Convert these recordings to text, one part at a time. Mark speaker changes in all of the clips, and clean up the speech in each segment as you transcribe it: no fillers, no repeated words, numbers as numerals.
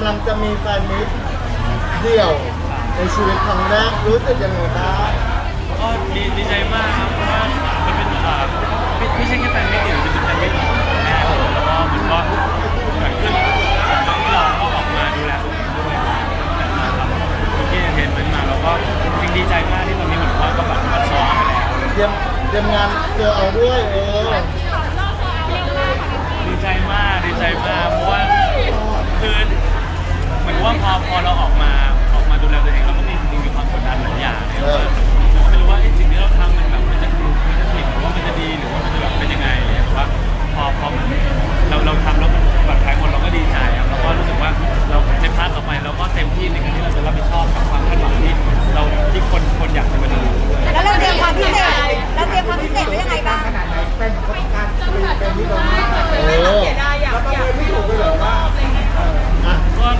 Speaker 1: ลังจะมีแฟนมิตรเดี่ยวในชีวิตครั้งแรกรู้สึกยังไงบ้าง
Speaker 2: ก็ดีใจมากครับเพราะว่ามันเป็นไม่ใช่แค่แฟนมิตรเดียวจะเป็นแฟนมิตรของแม่แล้วก็มันก็เกิดขึ้นที่เราก็ออกมาดูแลตัวเองด้วยนะครับที่เทนมันมาเราก็จริงดีใจมากที่ตอนนี้เหมือนว่าก็แบบมาซ้อมไปแล้ว
Speaker 1: เตรียมงานเจอเอาด้วย
Speaker 2: ดีใจมากเพราะว่าคือเหมือนว่าพอเราออกมาดูแลตัวเองเราก็มีความกดดันหลายอย่างเนี่ยว่าเราก็ไม่รู้ว่าสิ่งที่เราทำมันแบบมันจะถูกหรือว่ามันจะดีหรือว่ามันจะแบบเป็นยังไงเนี่ยแต่ว่าพอเราทำแล้วมันแบบท้ายหมดเราก็ดีใจครับแล้วก็รู้สึกว่าเราในพาร์ทต่อไปเราก็เต็มที่ในการที่เราจะรับผิดชอบกับความคาดหวังที่คนอยากจะมาดู
Speaker 3: แล้วเราเตรียมความพิเศษไว้ยังไงบ้าง
Speaker 1: เป็นการเป็นที่เราเสียดายอยากไม่ถูกเลยหรอว่า
Speaker 2: ก็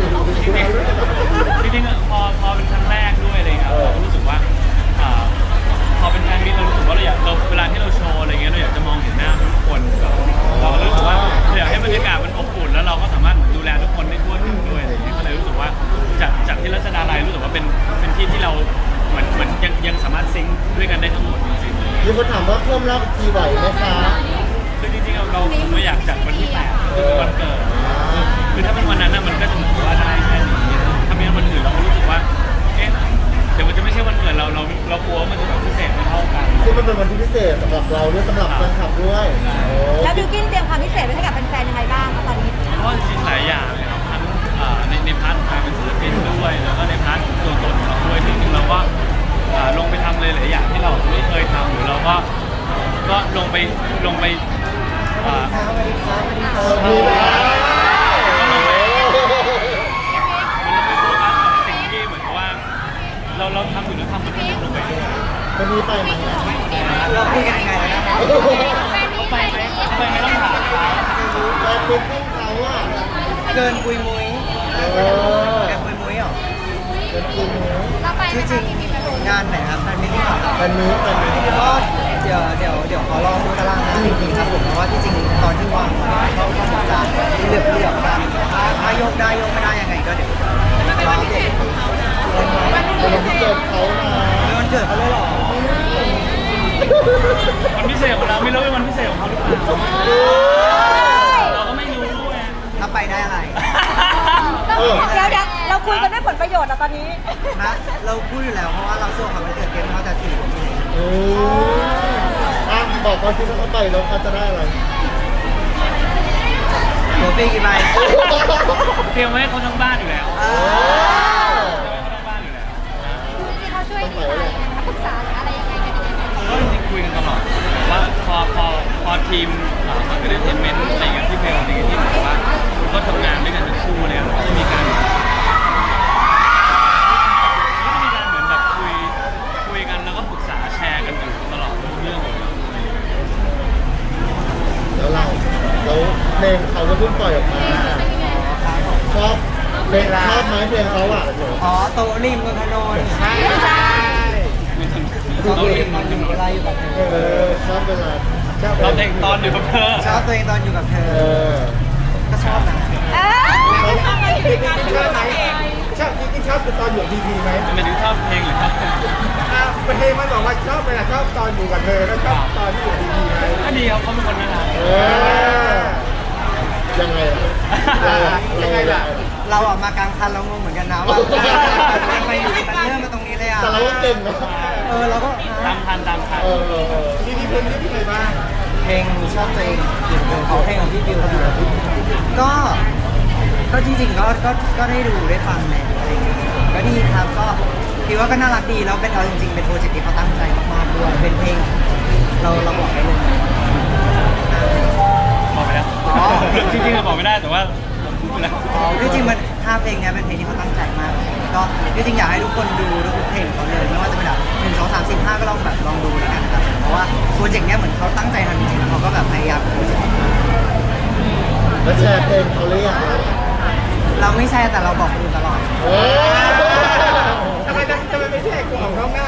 Speaker 2: จริงๆพอเป็นครั้งแรกด้วยอะไรเงี้ยเรารู้สึกว่าพอเป็นแฟนมิตรเรารู้สึกว่าเราเวลาที่เราโชว์อะไรเงี้ยเราอยากจะมองเห็นหน้าทุกคนเรารู้สึกว่าเราอยากให้บรรยากาศมันอบอุ่นแล้วเราก็สามารถดูแลทุกคนได้ทั่วถึงด้วยอะไรเงี้ยก็เลยรู้สึกว่าจากที่รัชดาลัยรู้สึกว่าเป็นที่ที่เราเหมือนยังสามารถซิงค์ด้วยกันได้ทั้งหมดจริงๆ
Speaker 1: มีคนถามว่าเพิ่มรอบทีไหวไหมคะ
Speaker 2: คือจริงๆเราไม่อยากจัดวันที่8คือวันเกิดคือถ้าเป็นวันนั้นมันก็จะเหมือนว่าได้แค่นี้ถ้าเป็นวันอื่นเรารู้สึกว่าเดี๋ยวมันจะไม่ใช่วันเกิดเรากลัวมันจะแบบพิเศษไม่เท่ากัน
Speaker 1: ซึ่งมันเป็นวันที่พิเศษสำหรับเราด้วยสำหรับแฟนคลับด้วย
Speaker 3: แล้วบิวกิ้นเตรียมความพิเศษไว้ให้กับแฟนๆยังไงบ้างตอนนี้
Speaker 2: ก็จริงๆหลายอย่างเลยครับทั้งในพาร์ทของการเป็นศิลปินด้วยแล้วก็ในพาร์ทตัวตนของเราด้วยจริงๆเราก็ลงไปทำเลยหลายอย่างที่เราไม่เคยทำหรือเราก็ลงไปสิ่งที่เหมือนกับว่าเราทำอยู่แล้วทำมันก็ลงไปด้วย
Speaker 1: วันนี้ไปไหม
Speaker 4: เราคุยกันยังไงนะ
Speaker 2: ไปไม่ต้องถาม
Speaker 1: แต่เป็นพวกเขาอ่ะ
Speaker 4: เกินปุยมุ้ยเกินปุยมุ้ยหรอ
Speaker 1: เกินปุยมุ้ย
Speaker 4: ชื่อจริงงานไหนครับแฟนมิตรที่
Speaker 1: แฟนมิตร
Speaker 4: ก็เดี๋ยวขอลองดูตารางงานจริงๆครับผมเพราะว่าที่จริงตอนที่วางเขาจะเลือกกันถ้าโยกได้โยกไม่ได้ยังไงก็เดี๋ยวรอเด็ก
Speaker 1: วันเกิดเขา
Speaker 4: วันเกิดเขาเลยหรอ
Speaker 2: วันพิเศษของเราไม่รู้เป็นวันพิเศษของเขาหรือเปล่าเราก็ไม่รู้ด้วย
Speaker 4: ถ้าไปได้อะไร
Speaker 3: เดี๋ยวเราคุยกันด้วยผลประโยชน์อะตอนนี้
Speaker 4: นะเราพูดอยู่แล้วเพราะว่าเราสู้กับวันเกิดเกมเขาจะ4
Speaker 1: บอกเขาที่เขาไปแล้วเขาจะได้อะไร
Speaker 4: หัวปีกี่ใบ
Speaker 2: เตรียมไว้ให้เขาทั้งบ้านอยู่แล้ว
Speaker 3: ที่เขาช่วยดีไหมปรึกษาอะไรยังไงกัน
Speaker 2: ก็จริงคุยกันตลอดว่าพอทีมเอนเตอร์เทนเมนต์อะไรอย่างเงี้ยที่เพลงอะไรที่แบบว่าก็ทำงานด้วยกันทั้งคู่เนี่ยก็จะมีการเหมือนแบบคุยกันแล้วก็ปรึกษาแชร์กันอยู่ตลอดเรื่อง
Speaker 1: แล้วเพลงเขาก็เพิ่งปล่อยออกมาชอบเพลงชอบไหมเพลงเขาอ่ะ
Speaker 4: โตริมนนทนนท์ใช่
Speaker 2: โตริมนนทนนท์
Speaker 4: อะไรอยู่กับเธอ
Speaker 1: ชอบเวลา
Speaker 2: ชอบเพลงตอนอยู่กับเธอ
Speaker 4: ชอบตัวเองตอนอยู่กับเธอก็ชอบนะ
Speaker 1: ชอบไหมชอบจริงๆชอบตอนอยู่พีพีไหม
Speaker 2: ไม่รู้ชอบเพลงหรือชอบ
Speaker 1: เพลงมันบอกว่าชอบเวลาชอบตอนอยู่กับเธอแล้วชอบตอนที่อยู่พีพีไหม
Speaker 2: ก็ดีเขาเป็นคนน่ารัก
Speaker 1: ยังไงล่ะ
Speaker 4: เราออกมากลางคันเรางงเหมือนกันนะว่าทำไมอยู่กันเริ่มมาตรงนี้เลยอ่ะ
Speaker 1: แต่เราก็เก่งนะ
Speaker 4: เราก็
Speaker 2: ตามทัน
Speaker 1: ที่เพลงที่ไหนบ้าง
Speaker 4: เพลงชอบตัวเองเขาเพลงของพี่บิวก็จริงๆก็ได้ดูได้ฟังแหละก็ดีครับก็คิดว่าก็น่ารักดีแล้วเป็นจริงๆเป็นโปรเจกต์ที่เขาตั้งใจมากๆด้วยเป็นเพลงเราบอกได้เลย
Speaker 2: บอกไปแล้วจริงๆบอกไม่ได้แต่ว่าพูดไปแล้ว
Speaker 4: จริงๆมัน5 เพลงนี้เป็นเพลงที่เขาตั้งใจมากก็จริงๆอยากให้ทุกคนดูทุกเพลงเขาเลยไม่ว่าจะเป็นแบบ1 2 3 4 5ก็ลองดูแล้วกันนะครับเพราะว่าโปรเจกต์นี้เหมือนเขาตั้งใจทำจริงๆเขาก็แบบพยายาม
Speaker 1: แล้วแชร์เพลงเขาหรือยัง
Speaker 4: เราไม่แชร์แต่เราบอกคนอื่นตลอด
Speaker 1: ทำไมไม่แชร์ของข้างหน้าเหรอหรือยังไง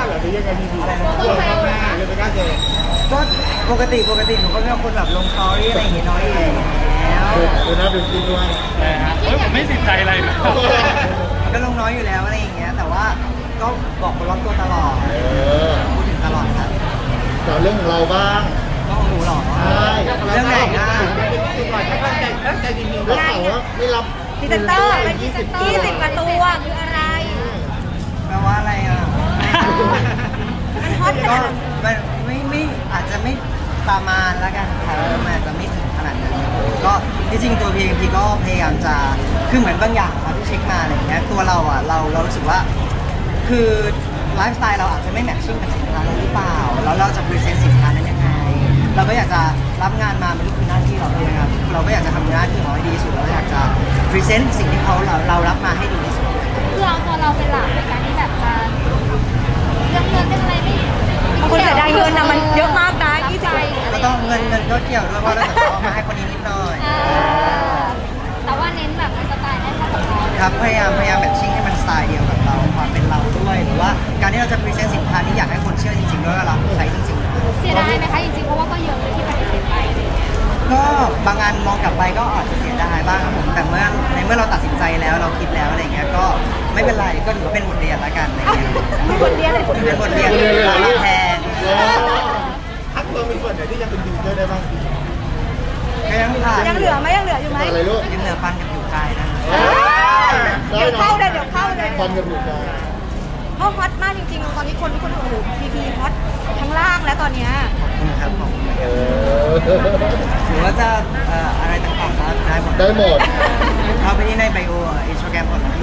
Speaker 1: ยังไงดีๆกลัวข้างหน้าเลยไม่กล้าเจอ
Speaker 4: ก็ปกติหนูก็เป็นคนแบบลงสตอรี่อะไรอย่างเงี้ยน้อยอยู่แล้ว
Speaker 1: ดูหน้าดูจริงด้วย
Speaker 2: นะฮะเฮ้ยผมไม่ติดใจอะไรนะ
Speaker 4: ก็ลงน้อยอยู่แล้วอะไรอย่างเงี้ยแต่ว่าก็บอกคนรอบตัวตลอด พูดถึงตลอดครับ
Speaker 1: แต่เรื่องของเราบ้าง
Speaker 4: ก็ของหนูหรอ
Speaker 1: ใช่
Speaker 4: เรื่องไหนอ่ะ
Speaker 1: แล้วข่าวว่าไม่รับ
Speaker 3: พรีเซนเตอร์เป็นพรีเซนเตอร์20กว่าตัวคืออะไร
Speaker 4: แปลว่าอะไรอ่ะ
Speaker 3: มันฮอตข
Speaker 4: ก็
Speaker 3: นาดนั้น
Speaker 4: มันไม่อาจจะไม่ประมาณแล้วกันครับมันอาจจะไม่ถึงขนาดนั้นก็ที่จริงตัวพีเอ็มพีก็พยายามจะคือเหมือนบางอย่างครับที่เช็คมาอะไรอย่างเงี้ยตัวเราอ่ะเรารู้สึกว่า คือไลฟ์สไตล์เราอาจจะไม่แมทชิ่งกับสินค้าเราหรือเปล่าแล้วเราจะพรีเซนต์สินค้านั้นยังไง เราก็อยากจะรับงานมามันก็คือหน้าที่เราเลยนะครับเราก็อยากจะทำหน้าที่ของเราให้ดีที่สุดเราอยากจะพรีเซนต์สิ่งที่เรารับมาให้ดีที่สุด
Speaker 3: คือเอาตัวเราเป็นหลักในการที่แบบจะเรื่องเงินเป็นอะไรไม่บางคนเสียดายเงินนะมันเยอะมากนะ20
Speaker 4: ก็ต้องเงินก็เกี่ยวด้วยเพราะเราจะเอามาให้คนนี้นิดหน่อย
Speaker 3: แต่ว่าเน้นแบบสไตล์ให้เข้ากับเรา
Speaker 4: ครับพยายามแมทชิ่งให้มันสไตล์เดียวกับเราความเป็นเราด้วยหรือว่าการที่เราจะพรีเซนต์สินค้านี้อยากให้คนเชื่อจริงๆด้วยว่าเราใช้จริงๆ
Speaker 3: เสียดายไหมคะจริงๆเพราะว่าก็เยอะเลยที่ปฏิเสธไปอะไรอย่างเงี้ย
Speaker 4: ก็บางงานมองกลับไปก็อาจจะเสียดายบ้างครับผมแต่เมื่อเราตัดสินใจแล้วเราคิดแล้วอะไรเงี้ยก็ไม่เป็นไรก็ถือว่าเป็นบทเรียนละกันอะไรเงี้ย
Speaker 3: มีบทเรียนเลย
Speaker 4: เป็นบทเรียนแทน
Speaker 1: ทักตัวมีส่วนไหนที่ยังเป็นยูเซอร์ได้บ้าง
Speaker 4: ก็ยังผ่าน
Speaker 3: ยังเหลือไหมยังเหลืออยู่ไหม
Speaker 1: อะไรลูก
Speaker 4: ยังเหลือฟันกับผิวกายนะ
Speaker 3: เดี๋ยวเข้าเลยเดี๋ยวเข้าเลย
Speaker 1: ฟันกับหนูกัน
Speaker 3: เพราะฮอตมากจริงๆ ตอนนี้คนทุกคนโอ้โหพีฮอตทั้งล่างแล้วตอนเนี้ย
Speaker 4: ขอบคุณครับผม
Speaker 1: เออ
Speaker 4: หรือว่าจะอะไรต่างๆก็ได้หมด
Speaker 1: ได้หมด
Speaker 4: เอาไปที่ในไบโออินสตาแกรมหมดนะ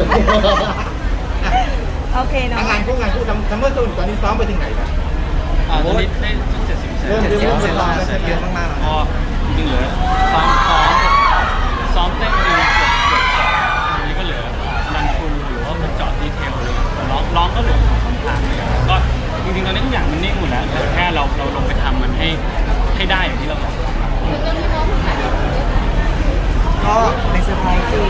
Speaker 3: โอเคเนาะ
Speaker 1: งานพวกซัมเมอร์ซูนตอนนี้ซ้อมไปถึงไหนแล้ว
Speaker 2: ตอนนี้ได้70%
Speaker 1: เริ่ม
Speaker 4: เสียแล้วเยอะมากๆ
Speaker 2: พอจริงๆเหลือซ้อมเต้นดูเกือบอันนี้ก็เหลือรันทรูหรือว่าเป็นเจาะดีเทลเลยแต่ร้องก็เหลือ2-3ทางเลยก็จริงๆตอนนี้ทุกอย่างมันนิ่งหมดแล้วแต่แค่เราลงไปทำมันให้ได้อย่างที่เราบอก
Speaker 4: ก็เป็นเซอร์ไพรส์สิ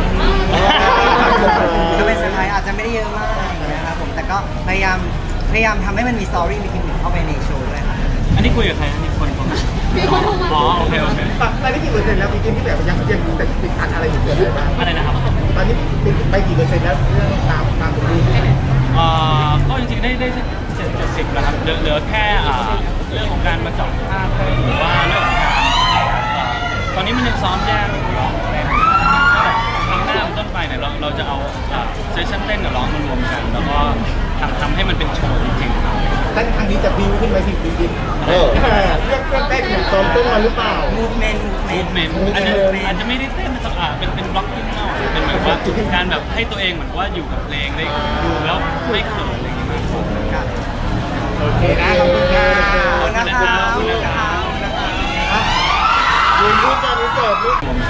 Speaker 4: ก็เป็นเซอร์ไพรส์อาจจะไม่ได้เยอะมากอย่างเงี้ยครับผมแต่ก็พยายามทำให้มันมีสตอรี่มีกิมมิคเข้าไปในโชว์ด้วยครับ
Speaker 2: อันนี้คุยกับใครอันนี้คนมาอ๋อโอเค
Speaker 1: ตอนนี้กี่เปอร์เซ็นต์แล้วปีกินที่แบบยังติดขัดอะไรอยู่เกิดอะไรบ้าง
Speaker 2: อะไรนะครับ
Speaker 1: ตอนนี้ติดไปกี่เปอร์เซ็นต์แล้วเรื่องตามตัวนี้
Speaker 2: ก็จริงๆได้70แล้วครับเหลือแค่เรื่องของการมาเจาะภาพหรือว่าเรื่องของการตอนนี้มันยังซ้อมแยกร้องเต้นครั้งหน้าเป็นต้นไปเนี่ยเราจะเอาเซสชั่นเต้นกับร้องมารวมกัน แล้วก็ทำให้มันเป็นโชว์จริงๆครับ
Speaker 1: เต้นครั้งนี้จะบิวขึ้นไปถึงปีกินเรื่องเต้นเนี่ยซ้อมเต้นมาหรือเปล่า
Speaker 4: movement
Speaker 2: เมนอาจจะไม่ได้เต้นสักเป็นบล็อกกิ้งเท่าเป็นแบบว่าการแบบให้ตัวเองเหมือนว่าอยู่กับเพลงได้ดูแล้วไม่เขินอะไรอย่างเงี้ย
Speaker 4: ครับ
Speaker 1: โอเคนะขอบคุณค่ะ
Speaker 4: ขอบคุณนะครับ
Speaker 2: ขอบคุณนะครับ
Speaker 1: ยืนรูปการนี้เสิร์ฟรูป